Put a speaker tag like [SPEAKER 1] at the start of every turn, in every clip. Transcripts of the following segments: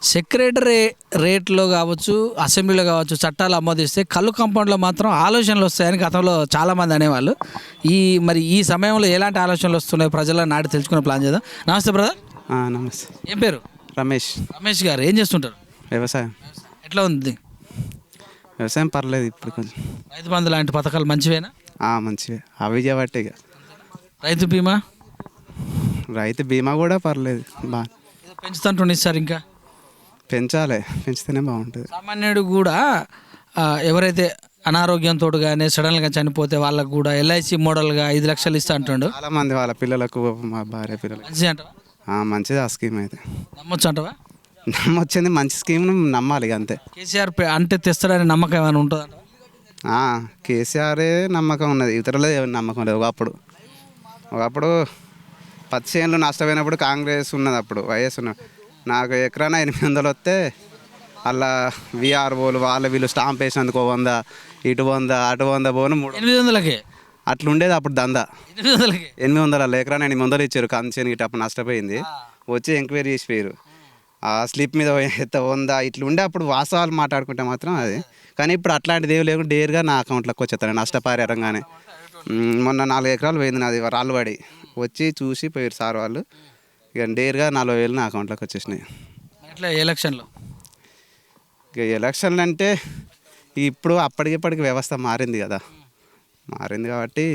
[SPEAKER 1] Secretary రేట్లో కావచ్చు, అసెంబ్లీలో కావచ్చు చట్టాలు ఆమోదిస్తే కళ్ళు కాంపౌండ్లో మాత్రం ఆలోచనలు వస్తాయని గతంలో చాలామంది అనేవాళ్ళు. మరి ఈ సమయంలో ఎలాంటి ఆలోచనలు వస్తున్నాయి ప్రజల నాటి తెలుసుకునే ప్లాన్ చేద్దాం. నమస్తే బ్రదర్.
[SPEAKER 2] నమస్తే.
[SPEAKER 1] ఏం పేరు?
[SPEAKER 2] రమేష్.
[SPEAKER 1] రమేష్ గారు ఏం చేస్తుంటారు?
[SPEAKER 2] వ్యవసాయం.
[SPEAKER 1] ఎట్లా ఉంది?
[SPEAKER 2] వ్యవసాయం పర్లేదు ఇప్పుడు కొంచెం.
[SPEAKER 1] రైతు బంధు లాంటి పథకాలు మంచివేనా?
[SPEAKER 2] మంచివే అవి చేయబట్టే ఇక.
[SPEAKER 1] రైతు బీమా?
[SPEAKER 2] రైతు బీమా కూడా పర్లేదు బాగా
[SPEAKER 1] పెంచుతుంటుండే సార్, ఇంకా
[SPEAKER 2] పెంచాలి, పెంచితేనే బాగుంటుంది.
[SPEAKER 1] సామాన్యుడు కూడా ఎవరైతే అనారోగ్యంతో కానీ సడన్గా చనిపోతే వాళ్ళకు కూడా ఎల్ఐసి మోడల్గా 5 లక్షలు ఇస్తా అంటుండు.
[SPEAKER 2] చాలా మంది వాళ్ళ పిల్లలకు, మా భార్య పిల్లలకు
[SPEAKER 1] మంచిది అంటవా?
[SPEAKER 2] మంచిది ఆ స్కీమ్ అయితే.
[SPEAKER 1] నమ్మొచ్చు అంటవా?
[SPEAKER 2] నమ్మొచ్చింది, మంచి స్కీమ్ నమ్మాలి ఇక అంతే.
[SPEAKER 1] కేసీఆర్ అంటే తెస్తాడని నమ్మకం ఏమైనా ఉంటుందా?
[SPEAKER 2] కేసీఆరే నమ్మకం ఉన్నది, ఇతరులే నమ్మకం లేదు. ఒకప్పుడు 10 చేనులు నష్టపోయినప్పుడు కాంగ్రెస్ ఉన్నది, అప్పుడు వైఎస్ ఉన్నది. నాకు ఎకరాన 800 వస్తే అలా విఆర్ఓలు వీళ్ళు స్టాంప్ వేసినందుకు 100, ఇటు 100 అటు 100 పోను
[SPEAKER 1] 800కే
[SPEAKER 2] అట్లా ఉండేది అప్పుడు దందా.
[SPEAKER 1] 800కే
[SPEAKER 2] 800 ఎకరాన 800 ఇచ్చారు. కంచెని ఇటు అప్పుడు నష్టపోయింది, వచ్చి ఎంక్వైరీ చేసిపోయారు. ఆ స్లిప్ మీద 100 ఇట్లా ఉండే అప్పుడు. వాస్తవాలు మాట్లాడుకుంటే మాత్రం అది. కానీ ఇప్పుడు అట్లాంటిది ఏమి లేకుండా డేర్గా నా అకౌంట్లోకి వచ్చేస్తాను నష్టపరిహారంగానే. మొన్న 4 ఎకరాలు పోయింది నాది, రాళ్ళు పడి వచ్చి చూసి పోయారు సార్ వాళ్ళు. ఇక డేర్గా 40,000 నా అకౌంట్లోకి వచ్చేసినాయి.
[SPEAKER 1] ఎట్లా ఎలక్షన్లో?
[SPEAKER 2] ఇక ఎలక్షన్లు అంటే ఇప్పుడు అప్పటికిప్పటికి వ్యవస్థ మారింది కదా, మారింది కాబట్టి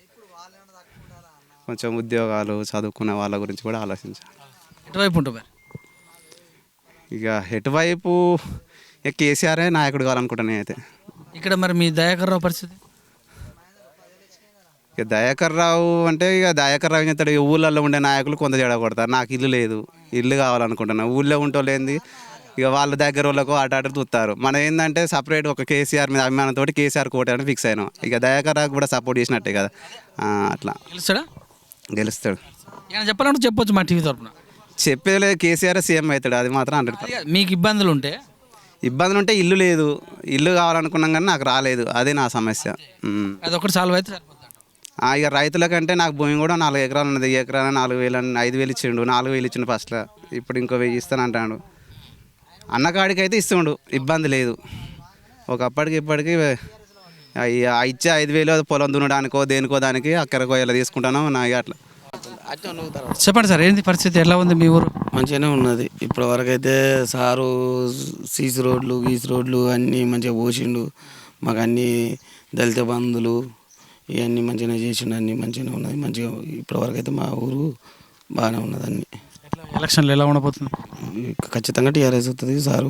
[SPEAKER 2] కొంచెం ఉద్యోగాలు చదువుకునే వాళ్ళ గురించి కూడా ఆలోచించాలి.
[SPEAKER 1] ఎటువైపు ఉంటుంది?
[SPEAKER 2] ఇక ఎటువైపు ఇక కేసీఆరే నాయకుడు కావాలనుకుంటాను నేనైతే.
[SPEAKER 1] ఇక్కడ మరి మీ దయాకర్ రావు పరిస్థితి?
[SPEAKER 2] ఇక దయాకర్ రావు అంటే ఇక దయాకర్ రావు ఏం చేస్తాడు, ఇక ఊళ్ళల్లో ఉండే నాయకులు కొంత జడ కొడతారు. నాకు ఇల్లు లేదు, ఇల్లు కావాలనుకుంటున్నాను. ఊళ్ళో ఉంటోలేంది ఇక వాళ్ళ దగ్గర వాళ్ళకు అటు చూస్తారు. మనం ఏంటంటే సపరేట్ ఒక కేసీఆర్ మీద అభిమానంతో కేసీఆర్ కోట ఫిక్స్ అయినాం. ఇక దయాకర్ రావు కూడా సపోర్ట్ చేసినట్టే కదా. అట్లా
[SPEAKER 1] గెలుస్తాడా?
[SPEAKER 2] గెలుస్తాడు.
[SPEAKER 1] ఏమైనా చెప్పాలంటే చెప్పొచ్చు మా టీవీ తరఫున.
[SPEAKER 2] చెప్పేది కేసీఆర్ సీఎం అవుతాడు, అది మాత్రం 100%.
[SPEAKER 1] మీకు ఇబ్బందులు ఉంటే?
[SPEAKER 2] ఇబ్బందులు ఉంటే ఇల్లు లేదు, ఇల్లు కావాలనుకున్నాం కానీ నాకు రాలేదు, అదే నా సమస్య.
[SPEAKER 1] అది ఒకటి సాల్వ్ అయితే సరిపోతుంది.
[SPEAKER 2] ఇక రైతులకంటే నాకు భూమి కూడా 4 ఎకరాలు ఉన్నది. ఎకరాన 4,000 5,000 ఇచ్చిండు, 4,000 ఇచ్చిండు ఫస్ట్లో. ఇప్పుడు ఇంకో 1,000 ఇస్తాను అంటాడు. అన్నకాడికి అయితే ఇస్తుండు, ఇబ్బంది లేదు. ఒకప్పటికి ఇప్పటికి ఇచ్చే 5,000 పొలం దున్నడానికో దేనికో దానికి అక్కడికో ఇలా తీసుకుంటాను నా. అట్లా
[SPEAKER 1] చెప్పండి సార్, ఏంటి పరిస్థితి, ఎలా ఉంది మీ ఊరు?
[SPEAKER 3] మంచిగానే ఉన్నది ఇప్పటి వరకు అయితే. సారు సీసీ రోడ్లు గీసి రోడ్లు అన్నీ మంచిగా పోసిండు. మాకు అన్నీ దళిత బంధువులు ఇవన్నీ మంచిగానే చేసిండు, అన్నీ మంచిగానే ఉన్నది. మంచిగా ఇప్పటి వరకు అయితే మా ఊరు బాగానే ఉన్నది. అన్నీ
[SPEAKER 1] ఎలక్షన్లు ఎలా ఉండబోతుంది?
[SPEAKER 3] ఖచ్చితంగా టీఆర్ఎస్ వస్తుంది. సారు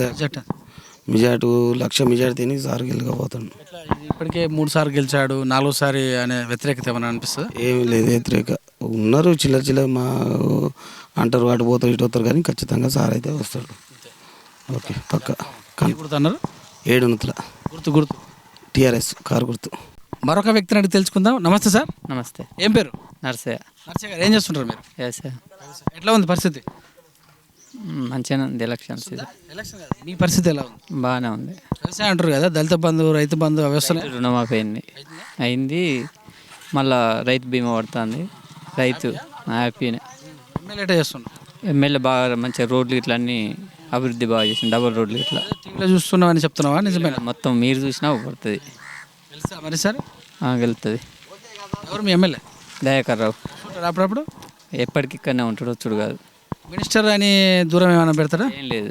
[SPEAKER 3] మెజార్టీ 1,00,000 మెజార్టీ తిని సారు గెలకపోతాడు.
[SPEAKER 1] ఇప్పటికే 3 సార్లు గెలిచాడు, 4వసారి అనే వ్యతిరేకత ఏమైనా అనిపిస్తుంది?
[SPEAKER 3] ఏమీ లేదు, వ్యతిరేక ఉన్నారు. చిల్లర మా అంటారు, అటు పోతారు ఇటు వస్తారు, కానీ ఖచ్చితంగా సార్ అయితే వస్తాడు. ఓకే పక్క
[SPEAKER 1] గుర్తున్నారు
[SPEAKER 3] 7 నుతుల
[SPEAKER 1] గుర్తు
[SPEAKER 3] టీఆర్ఎస్ కారు గుర్తు.
[SPEAKER 1] మరొక వ్యక్తిని అడిగి తెలుసుకుందాం. నమస్తే సార్.
[SPEAKER 4] నమస్తే.
[SPEAKER 1] ఏం పేరు?
[SPEAKER 4] నర్సయ్య.
[SPEAKER 1] నర్సయ్య గారు ఏం చేస్తుంటారు మీరు?
[SPEAKER 4] వ్యవసాయం.
[SPEAKER 1] ఎట్లా ఉంది పరిస్థితి?
[SPEAKER 4] మంచిగానే ఉంది. ఎలక్షన్స్
[SPEAKER 1] ఎలక్షన్ కాదు, మీ పరిస్థితి ఎలా ఉంది?
[SPEAKER 4] బాగానే ఉంది.
[SPEAKER 1] వ్యవసాయం అంటారు కదా, దళిత బంధు రైతు బంధు వ్యవస్థ
[SPEAKER 4] రుణమాఫీ అయింది. మళ్ళా రైతు బీమా పడుతుంది. రైతు హ్యాపీనే.
[SPEAKER 1] ఎమ్మెల్యే చేస్తున్నాం.
[SPEAKER 4] ఎమ్మెల్యే బాగా మంచిగా రోడ్లు ఇట్లా అన్నీ అభివృద్ధి బాగా చేసింది. డబుల్ రోడ్లు ఇట్లా
[SPEAKER 1] టీవీలో చూస్తున్నామని చెప్తున్నావా? నిజమేనా?
[SPEAKER 4] మొత్తం మీరు చూసినా పడుతుంది.
[SPEAKER 1] తెలుసా మరి సార్?
[SPEAKER 4] గెలుస్తుంది.
[SPEAKER 1] ఎవరు మీ ఎమ్మెల్యే?
[SPEAKER 4] దయాకర్ రావు.
[SPEAKER 1] అప్పుడప్పుడు
[SPEAKER 4] ఎప్పటికి ఇక్కడనే ఉంటాడు, వచ్చుడు కాదు.
[SPEAKER 1] మినిస్టర్ అని దూరం ఏమైనా పెడతాడా?
[SPEAKER 4] ఏం లేదు.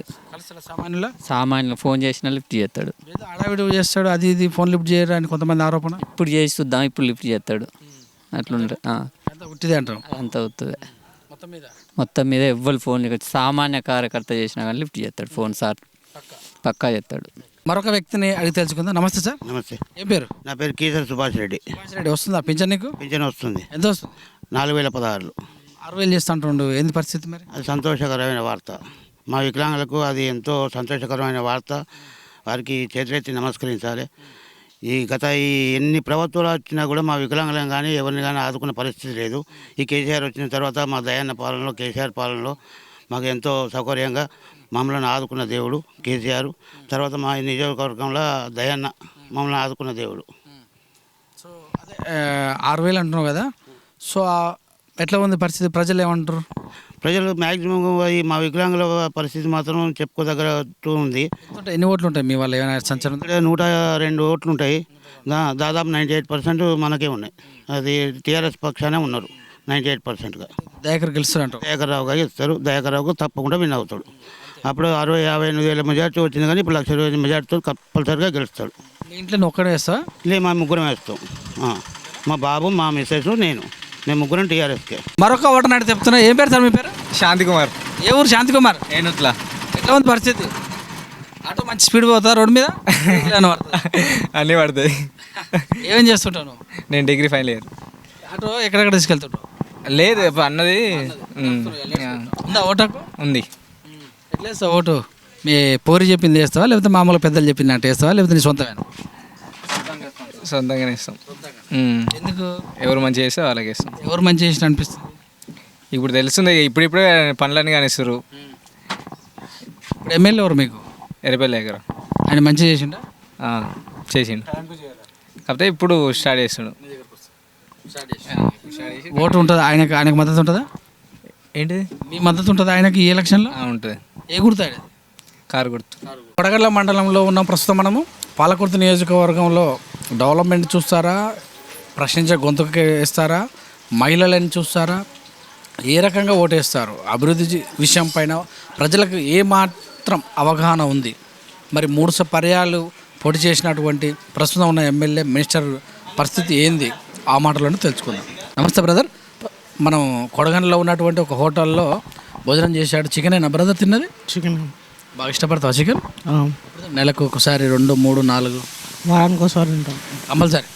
[SPEAKER 1] సామాన్యులు
[SPEAKER 4] ఫోన్ చేసినా లిఫ్ట్ చేస్తాడు.
[SPEAKER 1] అడావిడి చేస్తాడు, అది ఇది ఫోన్ లిఫ్ట్ చేయరు అని కొంతమంది ఆరోపణ.
[SPEAKER 4] ఇప్పుడు చేసి చూద్దాం, ఇప్పుడు లిఫ్ట్ చేస్తాడు. అట్లుంటే
[SPEAKER 1] ఉట్టిదే అంటారు.
[SPEAKER 4] అంత అవుతుంది. మొత్తం మీద ఎవ్వరు ఫోన్ సామాన్య కార్యకర్త చేసినా కానీ లిఫ్ట్ చేస్తాడు ఫోన్. సార్ పక్కా చేస్తాడు.
[SPEAKER 1] మరొక వ్యక్తిని అడిగి తెలుసుకుందాం. నమస్తే సార్.
[SPEAKER 5] నమస్తే.
[SPEAKER 1] ఏం పేరు?
[SPEAKER 5] నా పేరు కీసర్ సుభాష్ రెడ్డి.
[SPEAKER 1] వస్తుందా పింఛన్ నీకు?
[SPEAKER 5] పింఛన్ వస్తుంది.
[SPEAKER 1] ఎంత వస్తుంది?
[SPEAKER 5] 4,016.
[SPEAKER 1] 6,000 చేస్తా అంటుండు, ఏంది పరిస్థితి మరి?
[SPEAKER 5] అది సంతోషకరమైన వార్త. మా వికలాంగులకు అది ఎంతో సంతోషకరమైన వార్త. వారికి చేతులెత్తి నమస్కరించాలి. గత ఎన్ని ప్రభుత్వాలు వచ్చినా కూడా మా వికలాంగులను కానీ ఎవరిని కానీ ఆదుకున్న పరిస్థితి లేదు. ఈ కేసీఆర్ వచ్చిన తర్వాత మా దయాన్న పాలనలో, కేసీఆర్ పాలనలో మాకు ఎంతో సౌకర్యంగా మమ్మల్ని ఆదుకున్న దేవుడు కేసీఆర్. తర్వాత మా నియోజకవర్గంలో దయాన్న మమ్మల్ని ఆదుకున్న దేవుడు.
[SPEAKER 1] సో అదే 6,000 అంటున్నావు కదా, సో ఎట్లా ఉంది పరిస్థితి? ప్రజలు ఏమంటారు?
[SPEAKER 5] ప్రజలు మ్యాక్సిమం మా వికలాంగుల పరిస్థితి మాత్రం చెప్పుకోదగ్గట్టు ఉంది.
[SPEAKER 1] ఎన్ని ఓట్లు ఉంటాయి మీ వాళ్ళు ఏమైనా సంచలనం
[SPEAKER 5] ఇక్కడ 102 ఓట్లు ఉంటాయి. దాదాపు 98% మనకే ఉన్నాయి. అది టీఆర్ఎస్ పక్షానే ఉన్నారు 98%గా.
[SPEAKER 1] దయాకర్ గెలుస్తారంట.
[SPEAKER 5] దయాకర్రావు గారు ఇస్తారు. దయాకర్రావుకు తప్పకుండా విన్ అవుతాడు. అప్పుడు 60-58 వేల మెజార్టీ వచ్చింది, కానీ ఇప్పుడు 1,20,000 మెజార్టీతో కంపల్సరిగా గెలుస్తాడు.
[SPEAKER 1] మీ ఇంట్లో నువ్వు ఒక్కడే వేస్తావా?
[SPEAKER 5] లే, మా ముగ్గురం వేస్తాం. మా బాబు, మా మిస్సెస్, మేము ముగ్గురం టీఆర్ఎస్కే.
[SPEAKER 1] మరొక ఓటర్ నాటి చెప్తున్నా. ఏం పేరు సార్ మీ పేరు?
[SPEAKER 6] శాంతి కుమార్.
[SPEAKER 1] ఏ ఊరు? శాంతి కుమార్.
[SPEAKER 6] ఏనుట్లా.
[SPEAKER 1] ఎట్లా ఉంది పరిస్థితి? ఆటో మంచి స్పీడ్ పోతా రోడ్డు మీద?
[SPEAKER 6] అన్నీ పడతాయి.
[SPEAKER 1] ఏమేం చేస్తుంటావు నువ్వు?
[SPEAKER 6] నేను డిగ్రీ ఫైనల్ ఇయర్.
[SPEAKER 1] ఆటో ఎక్కడెక్కడ తీసుకెళ్తుంటావు?
[SPEAKER 6] లేదు ఇప్పుడు అన్నది
[SPEAKER 1] ఉందా ఓటాకు?
[SPEAKER 6] ఉంది.
[SPEAKER 1] ఎట్లా వేస్తావు ఓటు? మీ పోరి చెప్పింది వేస్తావా, లేకపోతే మామూలు పెద్దలు చెప్పింది అంటే వేస్తావా, లేకపోతే నీ సొంతమేనా?
[SPEAKER 6] సొంతంగానే ఇస్తాం.
[SPEAKER 1] ఎందుకు?
[SPEAKER 6] ఎవరు మంచి చేస్తే వాళ్ళకి ఇస్తాం.
[SPEAKER 1] ఎవరు మంచి చేసిన అనిపిస్తుంది?
[SPEAKER 6] ఇప్పుడు తెలుస్తుంది, ఇప్పుడిప్పుడే పనులన్నీ కానిస్తారు.
[SPEAKER 1] ఇప్పుడు ఎమ్మెల్యే ఎవరు మీకు?
[SPEAKER 6] ఎర్రపల్లి దగ్గర
[SPEAKER 1] ఆయన మంచిగా చేసిండా?
[SPEAKER 6] చేసిండు, కాకపోతే ఇప్పుడు స్టార్ట్ చేస్తాడు.
[SPEAKER 1] ఓటు ఉంటుందా ఆయనకు మద్దతు ఉంటుందా?
[SPEAKER 6] ఏంటిది?
[SPEAKER 1] మీ మద్దతు ఉంటుందా ఆయనకి ఈ ఎలక్షన్లో?
[SPEAKER 6] ఉంటుంది.
[SPEAKER 1] ఏ గుర్తాడు?
[SPEAKER 6] కారు గుర్తు.
[SPEAKER 1] కొడగళ్ళ మండలంలో ఉన్న ప్రస్తుతం మనము పాలకుర్తి నియోజకవర్గంలో డెవలప్మెంట్ చూస్తారా, ప్రశ్నించే గొంతుకు వేస్తారా, మహిళలని చూస్తారా, ఏ రకంగా ఓటేస్తారు, అభివృద్ధి విషయం పైన ప్రజలకు ఏ మాత్రం అవగాహన ఉంది? మరి 3 పర్యాలు పోటీ చేసినటువంటి ప్రస్తుతం ఉన్న ఎమ్మెల్యే మినిస్టర్ పరిస్థితి ఏంది? ఆ మాటలను తెలుసుకుందాం. నమస్తే బ్రదర్. మనం కొడగండ్లో ఉన్నటువంటి ఒక హోటల్లో భోజనం చేశాడు. చికెనేనా బ్రదర్ తిన్నది?
[SPEAKER 7] చికెన్.
[SPEAKER 1] బాగా ఇష్టపడతావా చికెన్? నెలకు ఒకసారి, 2, 3, 4
[SPEAKER 7] వారానికి ఒకసారి తింటాం
[SPEAKER 1] కంపల్సరీ.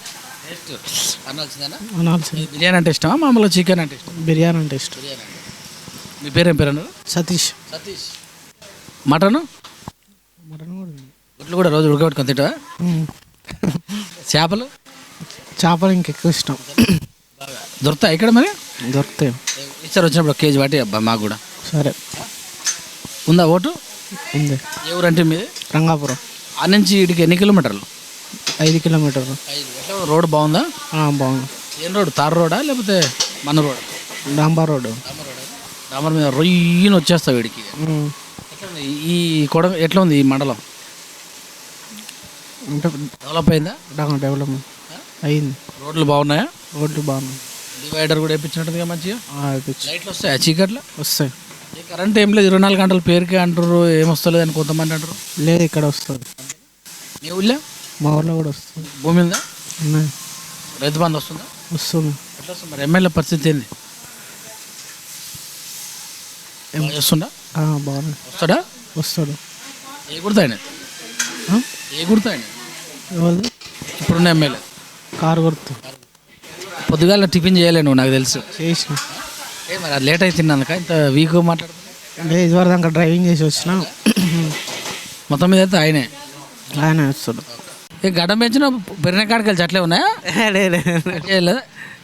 [SPEAKER 1] బిర్యానీ అంటే ఇష్టమా, మామూలుగా చికెన్ అంటే ఇష్టం?
[SPEAKER 7] బిర్యానీ అంటే ఇష్టం.
[SPEAKER 1] మీ పేరు ఏం పేరు అన్నారు?
[SPEAKER 7] సతీష్.
[SPEAKER 1] మటను
[SPEAKER 7] మటన్ కూడా ఉంది.
[SPEAKER 1] గుడ్లు కూడా రోజు ఉడకబెట్టుకొని తింటావా? చేపలు?
[SPEAKER 7] చేపలు ఇంకెక్కువ ఇష్టం.
[SPEAKER 1] దొరుకుతాయి ఇక్కడ మరి?
[SPEAKER 7] దొరుకుతాయి.
[SPEAKER 1] ఈసారి వచ్చినప్పుడు 1 కేజీ వాటి అబ్బా మాకు కూడా.
[SPEAKER 7] సరే.
[SPEAKER 1] ఉందా ఓటు?
[SPEAKER 7] ఉంది.
[SPEAKER 1] ఏ ఊరంటే మీది?
[SPEAKER 7] రంగాపురం.
[SPEAKER 1] ఆ నుంచి ఇటుకి ఎన్ని కిలోమీటర్లు?
[SPEAKER 7] 5 కిలోమీటర్లు.
[SPEAKER 1] ఎట్లా రోడ్డు బాగుందా?
[SPEAKER 7] బాగుంది.
[SPEAKER 1] ఏం రోడ్డు? తార్ రోడా లేకపోతే మన రోడ్?
[SPEAKER 7] డాంబర్ రోడ్డు.
[SPEAKER 1] డాంబర్ మీద రొయ్యని వచ్చేస్తావు వీడికి. ఈ ఎట్లా ఉంది ఈ మండలం?
[SPEAKER 7] అంటే
[SPEAKER 1] డెవలప్ అయిందా?
[SPEAKER 7] డెవలప్మెంట్ అయింది.
[SPEAKER 1] రోడ్లు బాగున్నాయా?
[SPEAKER 7] రోడ్లు బాగున్నాయి.
[SPEAKER 1] డివైడర్ కూడా వేయించినట్టుగా మంచిగా. లైట్లు వస్తాయా చీకట్లో?
[SPEAKER 7] వస్తాయి.
[SPEAKER 1] కరెంట్ ఏం లేదు, 24 గంటలు పేరుకే అంటారు, ఏమొస్తలేదు అని కొంతమంది అంటారు.
[SPEAKER 7] లేదు, ఇక్కడ వస్తుంది.
[SPEAKER 1] మీ ఊళ్ళో?
[SPEAKER 7] మా ఊళ్ళో కూడా వస్తుంది.
[SPEAKER 1] భూమి ఉందా?
[SPEAKER 7] ఉన్నాయి.
[SPEAKER 1] రైతు బంధు వస్తుందా?
[SPEAKER 7] వస్తుంది.
[SPEAKER 1] ఎట్లా వస్తుంది మరి? ఎమ్మెల్యే పరిస్థితి ఏంది? చేస్తుండా?
[SPEAKER 7] బాగుంది.
[SPEAKER 1] వస్తాడా?
[SPEAKER 7] వస్తాడు.
[SPEAKER 1] ఏ గుర్తాయన? ఏ గుర్తాయన?
[SPEAKER 7] ఎవరు?
[SPEAKER 1] ఇప్పుడున్న ఎమ్మెల్యే
[SPEAKER 7] కారు గుర్తు.
[SPEAKER 1] పొద్దుగాల టిఫిన్ చేయలే నువ్వు, నాకు తెలుసు.
[SPEAKER 7] చేసిన.
[SPEAKER 1] మరి అది లేట్ అవుతుంది అందుక ఇంత వీక్ మాట్లాడుతుంది.
[SPEAKER 7] అంటే ఇదివరకు దాకా డ్రైవింగ్ చేసి వచ్చిన.
[SPEAKER 1] మొత్తం మీద అయితే ఆయనే
[SPEAKER 7] వస్తాడు.
[SPEAKER 1] ఏ గడ్డం పెంచిన పెరిగిన కాడికి వెళ్ళి అట్లే ఉన్నాయా? లేదా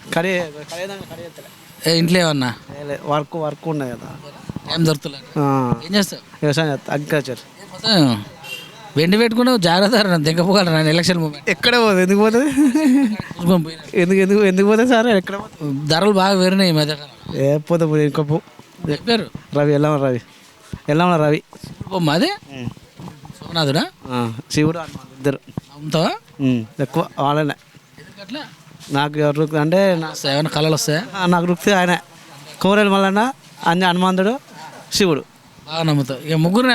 [SPEAKER 1] ఇంట్లో ఏమన్నా
[SPEAKER 7] వర్క్ ఉన్నాయి కదా,
[SPEAKER 1] ఏం దొరుకుతలేదు. ఏం చేస్తావు?
[SPEAKER 7] వ్యవసాయం అగ్రికల్చర్.
[SPEAKER 1] వెండి పెట్టుకున్నావు, జాగ్రత్త దిగపోగలరా ఎలక్షన్ మూమెంట్.
[SPEAKER 7] ఎక్కడ పోతుంది? ఎందుకు పోతుంది? ఎందుకు పోతుంది సార్? ఎక్కడ
[SPEAKER 1] ధరలు బాగా పెరిగినాయి ఈ మధ్య.
[SPEAKER 7] ఏ పోతే ఇంకా
[SPEAKER 1] పేరు
[SPEAKER 7] రవి. ఎల్లమ్మ రవి.
[SPEAKER 1] మాది సోమనాథుడా?
[SPEAKER 7] శివుడు ఇద్దరు
[SPEAKER 1] అమ్ముతావా?
[SPEAKER 7] ఎక్కువ వాళ్ళనే.
[SPEAKER 1] అట్లా
[SPEAKER 7] నాకు ఎవరు అంటే
[SPEAKER 1] ఏమైనా కళలు వస్తాయా?
[SPEAKER 7] నాకు రుక్తి ఆయన కోరేలు మల్లన్న, హనుమంతుడు, శివుడు.
[SPEAKER 1] బాగా నమ్ముతావు. ఇక ముగ్గురు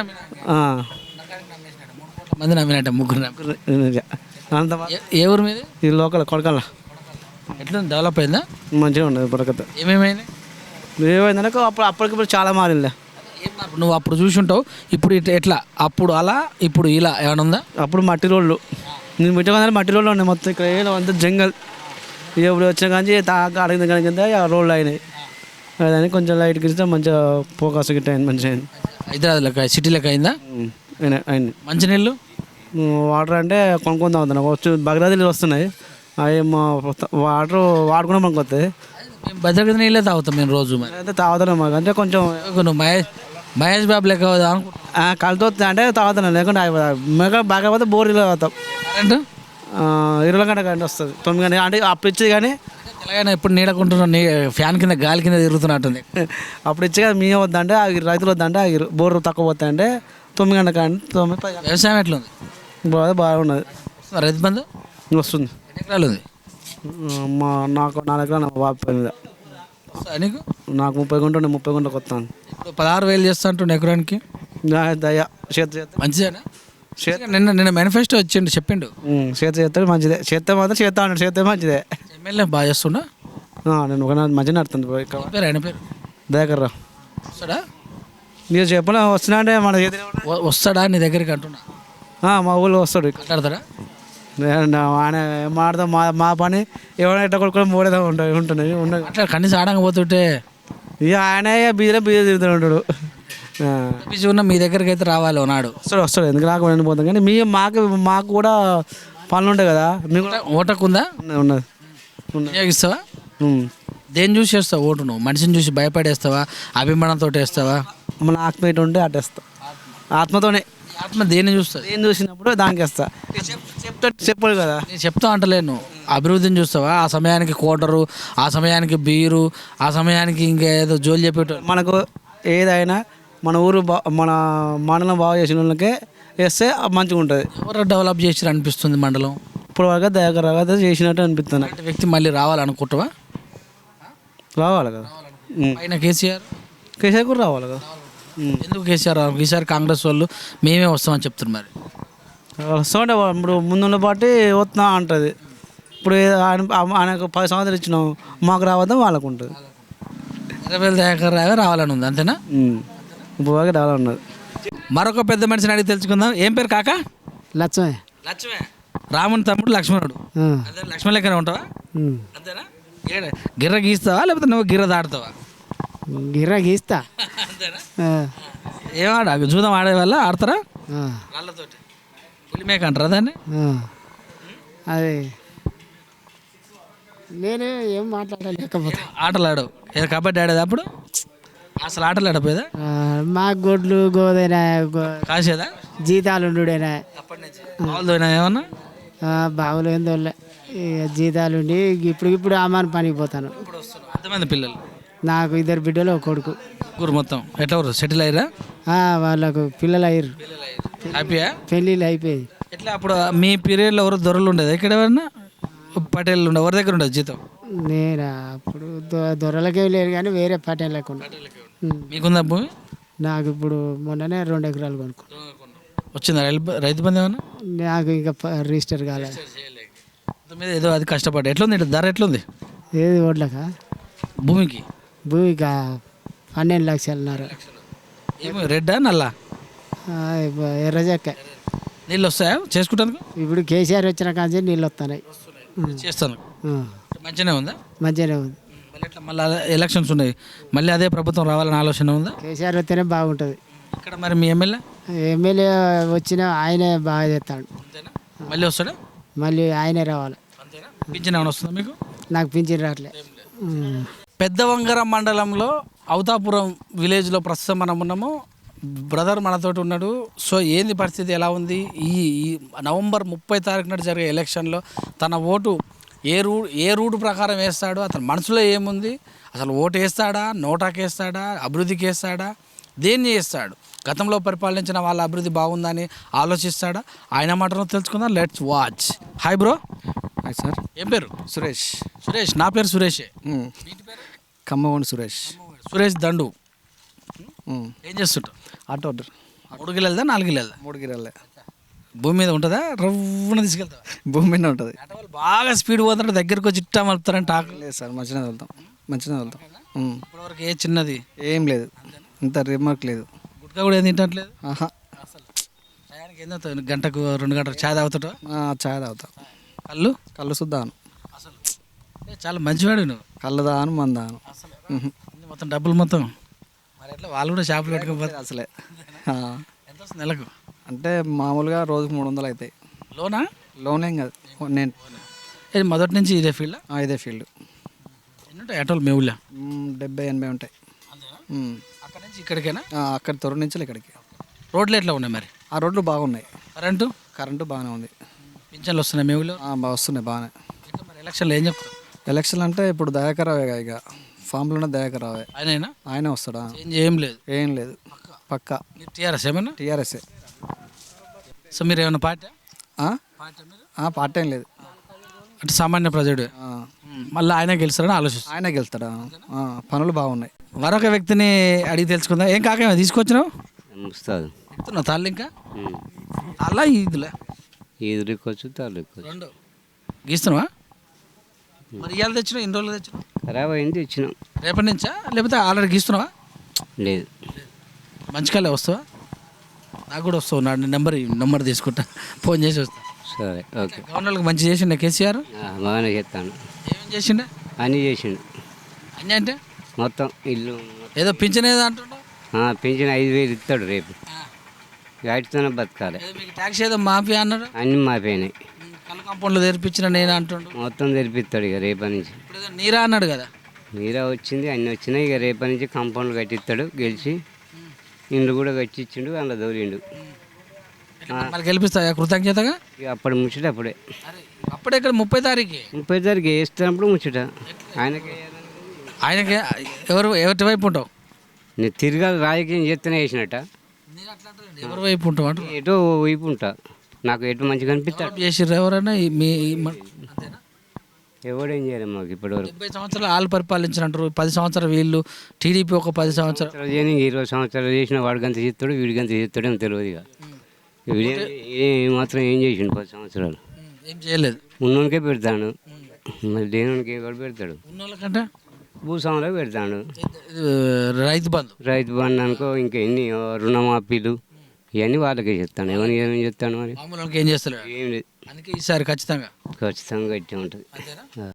[SPEAKER 1] మంది నమ్మినట్ట. ముగ్గురు
[SPEAKER 7] అంత
[SPEAKER 1] ఏ ఊరు మీది?
[SPEAKER 7] ఈ లోకల్ కొడకల్లా.
[SPEAKER 1] ఎట్లా డెవలప్ అయిందా?
[SPEAKER 7] మంచిగా ఉండదు బరకత.
[SPEAKER 1] ఏమేమైంది?
[SPEAKER 7] ఏమైందనక అప్పటికిప్పుడు చాలా మారింది.
[SPEAKER 1] నువ్వు అప్పుడు చూసి ఉంటావు, ఇప్పుడు ఎట్లా? అప్పుడు అలా, ఇప్పుడు ఇలా ఏమైనా ఉందా?
[SPEAKER 7] అప్పుడు మట్టి రోడ్లు, నేను మిట్టగానే మట్టి రోడ్లు ఉన్నాయి మొత్తం. ఇక్కడ ఏదో అంతా జంగల్. ఇప్పుడు వచ్చిన కానీ అడిగిన కానీ కింద రోడ్లు అయినాయి. అదని కొంచెం లైట్ గిస్తే మంచిగా ఫోకస్ గిట్ట అయింది, మంచిగా అయింది.
[SPEAKER 1] హైదరాబాద్ లెక్క సిటీ లెక్క అయిందా?
[SPEAKER 7] అయింది.
[SPEAKER 1] మంచినీళ్ళు
[SPEAKER 7] వాటర్ అంటే కొనుక్కుందాం అవుతున్నాయి, వచ్చి భద్రాద్రి నీళ్ళు వస్తున్నాయి. అవి మా వాటర్ వాడుకున్నాం మనకు వస్తాయి.
[SPEAKER 1] మేము భద్రగతి నీళ్ళే తాగుతాం మేము రోజు. మరి
[SPEAKER 7] అయితే తాగుతున్నాం మాకు, అంటే కొంచెం
[SPEAKER 1] నువ్వు మహేష్ బాబు లెక్క
[SPEAKER 7] కలుతో అంటే తాగుతున్నాం, లేకుంటే మేక బాగా పోతే బోర్ నీళ్ళు తాగుతాం.
[SPEAKER 1] కరెంటు
[SPEAKER 7] 20 గంట కరెంట్ వస్తుంది, 9 గంట అంటే అప్పుడు ఇచ్చేది. కానీ
[SPEAKER 1] ఎలాగైనా ఇప్పుడు నీడకుంటున్నా నీ ఫ్యాన్ కింద గాలి కింద తిరుగుతున్నట్టుంది.
[SPEAKER 7] అప్పుడు ఇచ్చే కదా మేము వద్దంటే ఆగిరు, రైతులు వద్దంటే ఆగిరు. బోర్రు తక్కువ పోతాయంటే 9 గంటల కానీ 9
[SPEAKER 1] వ్యవసాయం ఎట్లుంది?
[SPEAKER 7] బాగున్నది.
[SPEAKER 1] రైతు బంధు
[SPEAKER 7] వస్తుంది.
[SPEAKER 1] ఎన్ని ఎకరాలు ఉంది?
[SPEAKER 7] నాకు 4 ఎకరాలు నా బాబు పేరు మీద.
[SPEAKER 1] వస్తుందా నీకు?
[SPEAKER 7] నాకు 30 గుంట ఉండే 30 గుంటకు వస్తాను.
[SPEAKER 1] ఇప్పుడు 16,000 చేస్తా అంటుండే ఎకరానికి.
[SPEAKER 7] దయ చేత చేత
[SPEAKER 1] మంచిదేనా? నిన్న మేనిఫెస్టో వచ్చిండు చెప్పిండు.
[SPEAKER 7] చేత చేస్తే మంచిదే. చేస్తే మాత్రం చేస్తా అన్నాడు. చేస్తే మంచిదే.
[SPEAKER 1] ఎమ్మెల్యే బాగా చేస్తుండా?
[SPEAKER 7] నేను ఒక మంచిగా నడుతుంది. ఇక్కడ
[SPEAKER 1] పేరు ఆయన పేరు
[SPEAKER 7] దయాకర్ రావు
[SPEAKER 1] వస్తాడా?
[SPEAKER 7] మీరు చెప్పలే వస్తున్నా అంటే మన చేతిలో
[SPEAKER 1] వస్తాడా నీ దగ్గరికి అంటున్నా?
[SPEAKER 7] మా ఊళ్ళో వస్తాడు.
[SPEAKER 1] మాట్లాడతాడా?
[SPEAKER 7] ఆయన ఏం మాడదాం, మా పని ఎవరైనా ఎట్లా కొడుకుని మూడేదా ఉంటుంది.
[SPEAKER 1] అట్లా కనీసం ఆడకపోతుంటే
[SPEAKER 7] ఇక ఆయన బీజలో బీజ తిరుగుతూ ఉంటాడు.
[SPEAKER 1] బిజీ ఉన్న మీ దగ్గరికి అయితే రావాలి నాడు.
[SPEAKER 7] వస్తాడు ఎందుకు రాకుండా పోతాం. కానీ మాకు కూడా పనులు ఉంటాయి కదా. మీకు
[SPEAKER 1] ఓటకు ఉందా?
[SPEAKER 7] ఉన్నది.
[SPEAKER 1] వినియోగిస్తావా? దేన్ని చూసి వేస్తావు ఓటు? నువ్వు మనిషిని చూసి భయపడేస్తావా, అభిమానంతో వేస్తావా?
[SPEAKER 7] మన ఆత్మీయత ఉంటే అట్టేస్తా. ఆత్మతోనే.
[SPEAKER 1] ఆత్మ దేన్ని చూస్తుంది?
[SPEAKER 7] ఏం చూసినప్పుడు దానికి వేస్తా. చెప్పాడు కదా.
[SPEAKER 1] నేను చెప్తా అంటలేను. అభివృద్ధిని చూస్తావా? ఆ సమయానికి కోటరు, ఆ సమయానికి బీరు, ఆ సమయానికి ఇంకేదో జోలు చెప్పేటోళ్ళు.
[SPEAKER 7] మనకు ఏదైనా మన ఊరు మన మండలం బాగా చేసిన వాళ్ళకే వేస్తే మంచిగా ఉంటుంది.
[SPEAKER 1] ఎవరు డెవలప్ చేసి అనిపిస్తుంది మండలం?
[SPEAKER 7] ఇప్పుడు వరకు దగ్గర చేసినట్టు అనిపిస్తుంది.
[SPEAKER 1] అంటే వ్యక్తి మళ్ళీ రావాలనుకుంటావా?
[SPEAKER 7] రావాలి కదా.
[SPEAKER 1] పైన కేసీఆర్
[SPEAKER 7] కూడా రావాలి కదా.
[SPEAKER 1] ఎందుకు కేసీఆర్? ఈసారి కాంగ్రెస్ వాళ్ళు మేమే వస్తామని చెప్తున్నారు. మరి
[SPEAKER 7] వస్తామంటే ఇప్పుడు ముందున్న పార్టీ వస్తున్నా అంటుంది. ఇప్పుడు ఆయనకు 10 సంవత్సరాలు ఇచ్చినాం, మాకు రావద్దాం వాళ్ళకు ఉంటుంది.
[SPEAKER 1] 20,000 దాకా రావాలని ఉంది అంతేనా?
[SPEAKER 7] ఇప్పుడు వరకు రావాలన్నది.
[SPEAKER 1] మరొక పెద్ద మనిషిని అడిగి తెలుసుకుందాం. ఏం పేరు కాక?
[SPEAKER 7] లక్ష్మే.
[SPEAKER 1] లక్ష్మే. రాముని తమ్ముడు లక్ష్మణుడు. అదే లక్ష్మణ్ లెక్కనే ఉంటావా? అంతేనా? గిర్ర గీస్తావా లేకపోతే నువ్వు గిర్ర దాడుతావా?
[SPEAKER 7] గిర్ర గీస్తా.
[SPEAKER 1] అంతేనా? ఏమాడ జూదం ఆడే వల్ల ఆడతారా? రాళ్ళతోటి పులిమేక అంటారా దాన్ని?
[SPEAKER 7] అదే నేను ఏం మాట్లాడలేకపోతే.
[SPEAKER 1] ఆటలు ఆడవు. ఏదో కబడ్డీ ఆడేది అప్పుడు అసలు ఆటలు ఆడపోయేదా?
[SPEAKER 7] మా గొడ్లు గోదైనా
[SPEAKER 1] కాసేదా?
[SPEAKER 7] జీతాలు ఉండుడైనా
[SPEAKER 1] అప్పటి నుంచి బాగుందోనా ఏమన్నా?
[SPEAKER 7] బావులు ఏందో జీతాలు ఉండి ఇప్పుడు అమ్మాని పనికి పోతాను.
[SPEAKER 1] ఎంతమంది పిల్లలు?
[SPEAKER 7] నాకు 2 బిడ్డలు, ఒక కొడుకు.
[SPEAKER 1] ఊరు మొత్తం ఎట్లా ఊరు సెటిల్ అయ్యారా?
[SPEAKER 7] వాళ్ళకు పిల్లలు అయ్యారు.
[SPEAKER 1] హ్యాపీయా?
[SPEAKER 7] పెళ్ళిళ్ళు అయిపోయి.
[SPEAKER 1] ఎట్లా అప్పుడు మీ పీరియడ్లో ఎవరు దొరలు ఉండేది? ఇక్కడ ఎవరన్నా పటేళ్ళు ఉండే ఎవరి దగ్గర ఉండేది జీతం?
[SPEAKER 7] నేను అప్పుడు దొరలకే లేరు కానీ వేరే పటేళ్ళకు ఉండే.
[SPEAKER 1] మీకుందా భూమి?
[SPEAKER 7] నాకు ఇప్పుడు మొన్ననే 2 ఎకరాలు కొనుక్కున్నాను.
[SPEAKER 1] వచ్చిందా రైతు బంధు ఏమన్నా?
[SPEAKER 7] నాకు ఇంకా రిజిస్టర్ కాలేదు.
[SPEAKER 1] మీద ఏదో అది కష్టపడ్డా. ఎట్లుంది ధర? ఎట్లుంది
[SPEAKER 7] ఏది ఓట్లకా?
[SPEAKER 1] భూమికి?
[SPEAKER 7] భూమికి 12 లక్షలున్నారు.
[SPEAKER 1] ఏమి రెడ్డా నల్లా?
[SPEAKER 7] ఎర్రజక్క.
[SPEAKER 1] నీళ్ళు వస్తాయా చేసుకుంటాను?
[SPEAKER 7] ఇప్పుడు కేసీఆర్ వచ్చిన కానీ నీళ్ళు వస్తున్నాయి.
[SPEAKER 1] చేస్తాను. మంచిగానే ఉందా?
[SPEAKER 7] మంచిగానే ఉంది.
[SPEAKER 1] మళ్ళీ ఎట్లా మళ్ళీ ఎలక్షన్స్ ఉన్నాయి, మళ్ళీ అదే ప్రభుత్వం రావాలని ఆలోచన ఉందా?
[SPEAKER 7] కేసీఆర్ వస్తేనే బాగుంటుంది.
[SPEAKER 1] ఇక్కడ మరి మీ
[SPEAKER 7] ఎమ్మెల్యే వచ్చినా ఆయనే బాగా చేస్తాడు.
[SPEAKER 1] అంతేనా? మళ్ళీ వస్తాడా?
[SPEAKER 7] మళ్ళీ ఆయనే రావాలి.
[SPEAKER 1] అంతేనా? పింఛన్ ఏమైనా వస్తుందా మీకు?
[SPEAKER 7] నాకు పింఛన్ రావట్లే.
[SPEAKER 1] పెద్దవంగరం మండలంలో అవతాపురం విలేజ్లో ప్రస్తుతం మనం ఉన్నాము. బ్రదర్ మనతోటి ఉన్నాడు. సో ఏంది పరిస్థితి, ఎలా ఉంది? ఈ నవంబర్ 30 తారీఖున జరిగే ఎలక్షన్లో తన ఓటు ఏ రూట్ ప్రకారం వేస్తాడు, అతని మనసులో ఏముంది, అసలు ఓటు వేస్తాడా, నోటాకి వేస్తాడా, అభివృద్ధికి వేస్తాడా, దేన్ని చేస్తాడు, గతంలో పరిపాలించిన వాళ్ళ అభివృద్ధి బాగుందని ఆలోచిస్తాడా, ఆయన మాటను తెలుసుకుందాం. Let's watch. Hi bro.
[SPEAKER 8] Hi sir.
[SPEAKER 1] ఏం పేరు?
[SPEAKER 8] సురేష్.
[SPEAKER 1] సురేష్. నా పేరు సురేషే.
[SPEAKER 8] ఖమ్మం సురేష్.
[SPEAKER 1] సురేష్ దండు. ఏం చేస్తుంటావు?
[SPEAKER 8] ఆటో.
[SPEAKER 1] 3 గిల్లెలదా 4 గిల్లెలదా?
[SPEAKER 8] 3 గిరాలే.
[SPEAKER 1] భూమి మీద ఉంటుందా? రవ్వున తీసుకెళ్తావా?
[SPEAKER 8] భూమి మీద ఉంటుంది.
[SPEAKER 1] బాగా స్పీడ్ పోతుంటే దగ్గరకు వచ్చి ఇట్టా మలుపుతారంటే ఆకు
[SPEAKER 8] లేదు సార్, మంచిగా వెళ్తాం. మంచిగా వెళ్తాం.
[SPEAKER 1] ఇప్పటివరకు ఏ చిన్నది
[SPEAKER 8] ఏం లేదు, ఇంత రిమార్క్ లేదు.
[SPEAKER 1] గుట్కా కూడా ఏం తింటట్లేదు
[SPEAKER 8] ఆహా.
[SPEAKER 1] అసలు టయానికి ఏం తాగుతావు? గంటకు 2 గంటలు ఛాయ్ తాగుతావు?
[SPEAKER 8] ఛాయ్ తాగుతాం. కళ్ళు సుద్దాను.
[SPEAKER 1] అసలు చాలా మంచివాడు నువ్వు.
[SPEAKER 8] కళ్ళు దాను మందాను
[SPEAKER 1] అసలు మొత్తం డబ్బులు మొత్తం మరి ఎట్లా వాళ్ళు కూడా షాపులు పెట్టుకోకపోతే
[SPEAKER 8] అసలే.
[SPEAKER 1] ఎంత వస్తుంది నెలకు?
[SPEAKER 8] అంటే మామూలుగా రోజుకు 300 అవుతాయి.
[SPEAKER 1] లోనా?
[SPEAKER 8] లోన్ ఏం కాదు, నేను
[SPEAKER 1] ఇది మొదటి నుంచి ఇదే ఫీల్డ్?
[SPEAKER 8] ఇదే ఫీల్డ్.
[SPEAKER 1] ఎన్ని ఉంటాయి ఆటోలు మీ ఊళ్ళో?
[SPEAKER 8] 70-80 ఉంటాయి.
[SPEAKER 1] అక్కడ నుంచి ఇక్కడికేనా?
[SPEAKER 8] అక్కడ తొర్రు నుంచి ఇక్కడికి.
[SPEAKER 1] రోడ్లు ఎట్లా ఉన్నాయి మరి?
[SPEAKER 8] ఆ రోడ్లు బాగున్నాయి.
[SPEAKER 1] కరెంటు
[SPEAKER 8] బాగానే ఉంది.
[SPEAKER 1] పింఛన్లు వస్తున్నాయి మీ ఊళ్ళో?
[SPEAKER 8] వస్తున్నాయి బాగానే.
[SPEAKER 1] మరి ఎలక్షన్లో ఏం చెప్తారు?
[SPEAKER 8] ఎలక్షన్ అంటే ఇప్పుడు దయాకరావే ఇక ఫామ్లోనే దయాకరావే.
[SPEAKER 1] ఆయనైనా
[SPEAKER 8] ఆయనే వస్తాడా?
[SPEAKER 1] చేంజ్ ఏం లేదు.
[SPEAKER 8] ఏం లేదు, పక్కా
[SPEAKER 1] మీరు టీఆర్ఎస్ ఏమన్నా?
[SPEAKER 8] టీఆర్ఎస్ఏ.
[SPEAKER 1] సో మీరు ఏమైనా పార్టీ
[SPEAKER 8] పార్టీ ఏం లేదు.
[SPEAKER 1] అంటే సామాన్య ప్రజడు మళ్ళీ ఆయన గెలుస్తారని ఆలోచిస్తారు.
[SPEAKER 8] ఆయనే గెలుస్తాడా? పనులు బాగున్నాయి.
[SPEAKER 1] మరొక వ్యక్తిని అడిగి తెలుసుకుందాం. ఏం కాక తీసుకొచ్చినావు?
[SPEAKER 9] వస్తుంది
[SPEAKER 1] చెప్తున్నావు తాళ్ళు ఇంకా అలా ఈదులే
[SPEAKER 9] ఎదురుకోవచ్చు తాలూకోవచ్చు.
[SPEAKER 1] రెండు గీస్తున్నావా? మరి ఇవాళ తెచ్చినావు? ఎన్ని రోజులు తెచ్చినావు?
[SPEAKER 9] ఖరాబ్ అయింది ఇచ్చినాం.
[SPEAKER 1] రేపటి నుంచా లేకపోతే ఆల్రెడీ గీస్తున్నావా?
[SPEAKER 9] లేదు
[SPEAKER 1] మంచికాలే వస్తావా? నాకు కూడా వస్తావు. నా నెంబర్ తీసుకుంటా, ఫోన్ చేసి వస్తా.
[SPEAKER 9] సరే ఓకే.
[SPEAKER 1] గవర్నర్లకు మంచి చేసిండే కేసీఆర్.
[SPEAKER 9] బాగానే చేస్తాను.
[SPEAKER 1] ఏమేం చేసిండే?
[SPEAKER 9] అన్నీ చేసిండు
[SPEAKER 1] అన్నీ అంటే
[SPEAKER 9] మొత్తం ఇల్లు
[SPEAKER 1] ఏదో పింఛన్ ఏదో అంటుండో.
[SPEAKER 9] పెంచిన 5,000 ఇస్తాడు రేపు. వాటితోనే బతకాలి.
[SPEAKER 1] ఏదో మీకు ట్యాక్స్ ఏదో మాఫీ అన్నాడు.
[SPEAKER 9] అన్నీ మాపోయినాయి.
[SPEAKER 1] కళ్ళ కాంపౌండ్లో తెరిపించిన నేను అంటుండు.
[SPEAKER 9] మొత్తం తెరిపిస్తాడు ఇక రేపటి నుంచి.
[SPEAKER 1] ఇప్పుడు ఏదో నీరా అన్నాడు కదా.
[SPEAKER 9] మీరా వచ్చింది అన్నీ వచ్చినాయి. ఇక రేపటి నుంచి కాంపౌండ్లు కట్టిస్తాడు. గెలిచి ఇండ్లు కూడా కట్టించిండు, అందులో దోలిండు.
[SPEAKER 1] మళ్ళీ గెలిపిస్తా కృతజ్ఞతగా.
[SPEAKER 9] ఇక అప్పుడు ముచ్చట అప్పుడే.
[SPEAKER 1] అప్పుడే ఇక్కడ 30 తారీఖు
[SPEAKER 9] 30 తారీఖు వేస్తున్నప్పుడు ముచ్చట.
[SPEAKER 1] ఆయనకి ఎవరి వైపు ఉంటావు?
[SPEAKER 9] నేను తిరగాలి రాజకీయం చేస్తూనే వేసినట్ట.
[SPEAKER 1] ఎవరి వైపు ఉంటావు అంటూ
[SPEAKER 9] ఎటో వైపు ఉంటా. నాకు ఎటు మంచిగా అనిపిస్తాడు.
[SPEAKER 1] చేసిర్రు ఎవరైనా మీ
[SPEAKER 9] ఎవడేం చేయాలి మాకు ఇప్పటివరకు.
[SPEAKER 1] 70 సంవత్సరాలు వాళ్ళు పరిపాలించినట్టు 10 సంవత్సరాలు వీళ్ళు, టీడీపీ ఒక 10 సంవత్సరాలు.
[SPEAKER 9] 20 సంవత్సరాలు చేసిన వాడికంత చేస్తాడు, వీడికంత చేస్తాడేమో తెలియదు. ఇక వీడి మాత్రం ఏం చేసిండు 10 సంవత్సరాలు?
[SPEAKER 1] ఏం చేయలేదు.
[SPEAKER 9] ఉన్నోనికే పెడతాడు, మరి దేనికి కూడా పెడతాడు.
[SPEAKER 1] ఉన్నోళ్ళకంటే
[SPEAKER 9] భూస్వాములకు పెడతాడు.
[SPEAKER 1] రైతు బంధు
[SPEAKER 9] అనుకో, ఇంకా ఎన్ని రుణమాఫీలు ఇవన్నీ వాళ్ళకే చెప్తాను. ఏమని చెప్తాను మరి?
[SPEAKER 1] మామూలు ఏం చేస్తలేదు.
[SPEAKER 9] ఏం లేదు.
[SPEAKER 1] అందుకే ఈసారి ఖచ్చితంగా
[SPEAKER 9] ఖచ్చితంగా గట్టి ఉంటుంది.